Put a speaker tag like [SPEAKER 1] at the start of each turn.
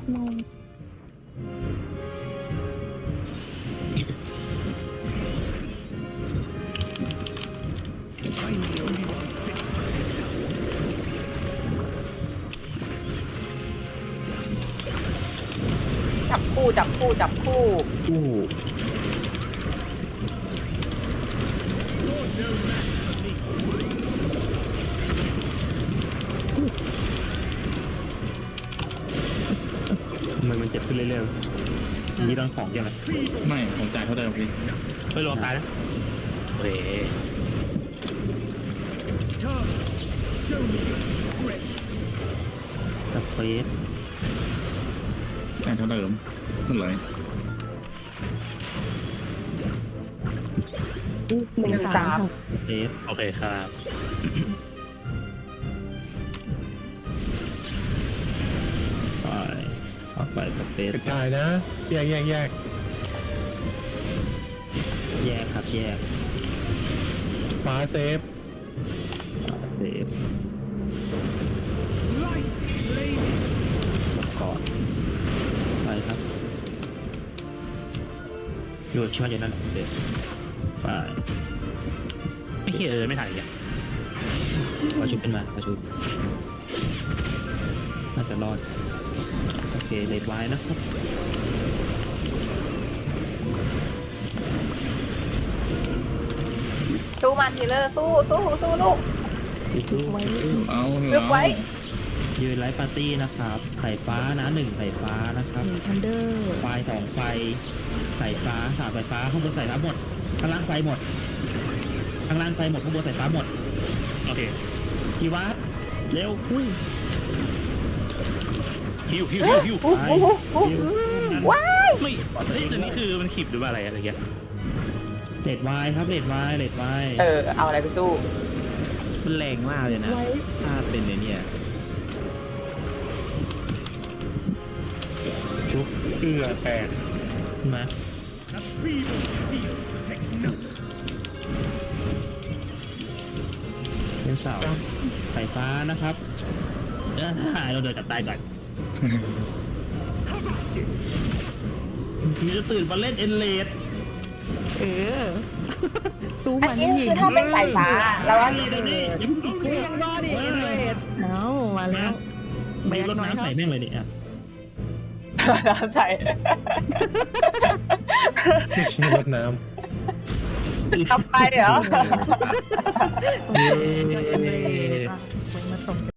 [SPEAKER 1] งง
[SPEAKER 2] จับคู่จับคู่จับคู่
[SPEAKER 3] อู้ทำไมมันเจ็บขึ้นเรื่อยๆนี่โดนของยังไง
[SPEAKER 4] ไม่ผมจ่ายเท่าเดิมพี่
[SPEAKER 3] ไม่รวมตายนะเฮ้ยสเปซ
[SPEAKER 4] จ่ายเท่าเดิมนั่นเลย
[SPEAKER 1] 1-3
[SPEAKER 3] สเปซโอเคครับไปเอาไปสเปซ
[SPEAKER 5] กระจายนะแยก
[SPEAKER 3] แยกครับแยก
[SPEAKER 5] ฟ้าเซฟ
[SPEAKER 3] เซฟก่อนไปครับอยู่ช่วยอยู่นั่นแหละเด็กไปไม่เคยไม่ถ่ายอย่างมาชุบขึ้นมามาชุบน่าจะรอดโอเคเลดไว้นะครับ
[SPEAKER 2] สู้มันทีเลอร์สู้สู้สู้ลูก
[SPEAKER 3] สู้
[SPEAKER 4] เอา
[SPEAKER 2] ลึกไว้
[SPEAKER 3] ยืนไลฟ์ปาร์ตี้นะครับไข่ฟ้านะ1ไข่ฟ้านะครับ
[SPEAKER 1] ทันเดอร์
[SPEAKER 3] ไฟ2ไฟไข่ฟ้า3ไฟฟ้าข้างบนใส่ฟ้าหมดข้างล่างไฟหมดข้างล่างไฟหมดข้างบนใส่ฟ้าหมดโอเคกีวัดเร็วฮิวไปฮิว
[SPEAKER 2] ว้าย
[SPEAKER 3] ไม่เฮ้ยตัวนี้คือมันขีบหรือว่าอะไรเงี้ยเลดไวครับเลดไว
[SPEAKER 2] เอาอะไรไปสู้
[SPEAKER 6] มันแรงมากเลยนะ
[SPEAKER 1] ไว้
[SPEAKER 6] ถ้าเป็นในเนี่ย
[SPEAKER 3] ชุบ
[SPEAKER 5] เกลือแตก
[SPEAKER 3] มาเป็นเสาไฟฟ้านะครับเราเดินจับตายก่อนมีจะตื่นมาเล่นเอ็นเลด
[SPEAKER 1] สู้
[SPEAKER 2] อั
[SPEAKER 1] มัน น
[SPEAKER 2] นี้
[SPEAKER 1] หญิ
[SPEAKER 2] คื
[SPEAKER 1] ง
[SPEAKER 2] อถ้าเป็นสายฟ้าแล้วว่า
[SPEAKER 3] นี่เดี๋ยวนี้
[SPEAKER 1] ยังรอดอีกเรดเอ้ามาแล้ว
[SPEAKER 3] มีรถน้ำใส่แม่งเลยเนี่ย
[SPEAKER 2] น้ำใส่
[SPEAKER 5] ไม่ใช่รดน้ำ
[SPEAKER 2] ทำไปเหรอ
[SPEAKER 1] เย้มาตก